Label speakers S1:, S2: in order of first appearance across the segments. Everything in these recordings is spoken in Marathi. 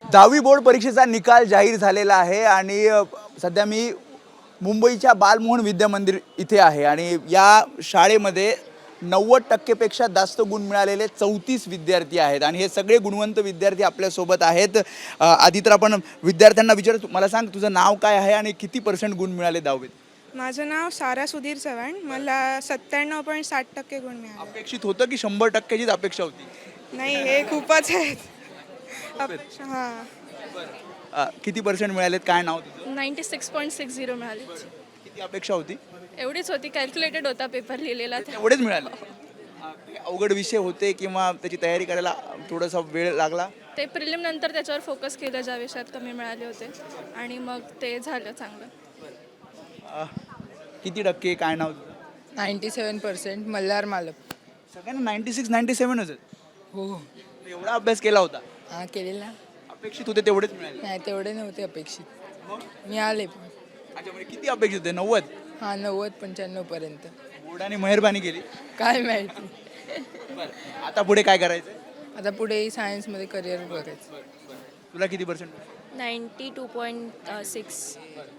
S1: 10वी बोर्ड परीक्षेचा निकाल जाहीर झालेला आहे आणि सध्या मी मुंबईच्या बालमोहन विद्या मंदिर इथे आहे आणि या शाळेमध्ये 90% पेक्षा जास्त गुण मिळालेले 34 विद्यार्थी आहेत आणि हे सगळे गुणवंत विद्यार्थी आपल्यासोबत आहेत। आधी तर आपण विद्यार्थ्यांना विचारू, मला सांग तुझं नाव काय आहे आणि किती % गुण मिळाले 10वीत?
S2: माझं नाव सारा सुधीर चव्हाण, मला 97.60% गुण मिळाले।
S1: अपेक्षित होतं की 100%चीच अपेक्षा होती?
S2: नाही, हे खूपच आहेत। हां,
S1: किती % मिळालेत? काय नाव तुझं?
S3: 96.60 मिळाली।
S1: किती अपेक्षा होती?
S3: एवढीच होती, कॅल्क्युलेटेड होता पेपर लिहिलेला
S1: एवढेच मिळाले? अवघड विषय होते किंवा त्याची तयारी करायला थोडासा वेळ लागला?
S3: ते प्रिलिम नंतर त्याच्यावर फोकस केलं, ज्या विषयात कमी मिळाले होते आणि मग ते झालं चांगलं।
S1: किती टक्के? काय नाव तुझं?
S4: 97% मल्हार मालप।
S1: सगळ्यांना 96-97 होते?
S4: हो,
S1: एवढा अभ्यास केला होता?
S4: हां केलेला।
S1: अपेक्षित होते तेवढेच मिळाले?
S4: नाही तेवढे नव्हते अपेक्षित, मिळाले पण।
S1: अच्छा, म्हणजे किती अपेक्षित होते? 90?
S4: हां 90-95 पर्यंत।
S1: बोर्डाने मेहरबानी केली?
S4: काय माहिती।
S1: आता पुढे काय करायचं?
S4: आता पुढे सायन्समध्ये करिअर बघायचं।
S1: तुला किती %?
S3: 92.6।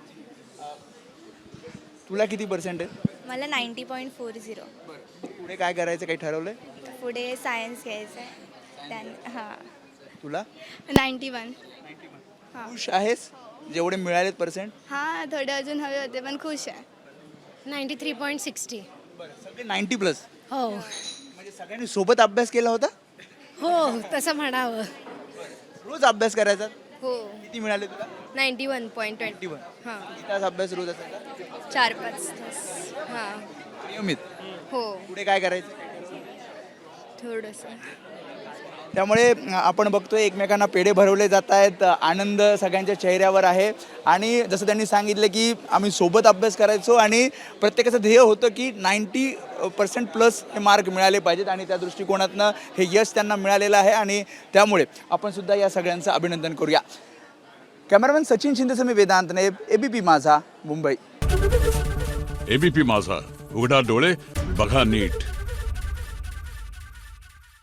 S1: तुला किती % आहे?
S5: मला 90.40।
S1: पुढे काय करायचं, काही ठरवलंय?
S5: पुढे सायन्स घ्यायचं आहे हां।
S1: तुला
S5: 91।
S1: खुश आहेस जेवढे मिळालेत %?
S5: हां, थोडे अजून हवे होते पण खुश आहे।
S6: 93.60।
S1: सगळे 90+?
S6: हो
S1: म्हणजे सगळ्यांनी सोबत अभ्यास केला होता?
S6: हो तसं म्हणावं।
S1: रोज अभ्यास करायचा?
S5: हो,
S1: किती मिळाले तुला?
S5: 91.20। हां,
S1: किती तास अभ्यास रोज असायचा?
S5: 4-5 तास। हां,
S1: नियमित?
S5: हो,
S1: पुढे काय करायचं?
S5: थोडंसं।
S1: त्यामुळे आपण बघतोय एकमेकांना पेढे भरवले जात आहेत, आनंद सगळ्यांच्या चेहऱ्यावर आहे आणि जसं त्यांनी सांगितलं की आम्ही सोबत अभ्यास करायचो आणि प्रत्येकाचं ध्येय होतं की 90% प्लस हे मार्क मिळाले पाहिजेत आणि त्या दृष्टिकोनातनं हे यश त्यांना मिळालेलं आहे आणि त्यामुळे आपण सुद्धा या सगळ्यांचं अभिनंदन करूया। कॅमेरामॅन सचिन शिंदेसह मी वेदांत नायब, ABP माझा, मुंबई।
S7: ABP माझा, उघडा डोळे बघा नीट।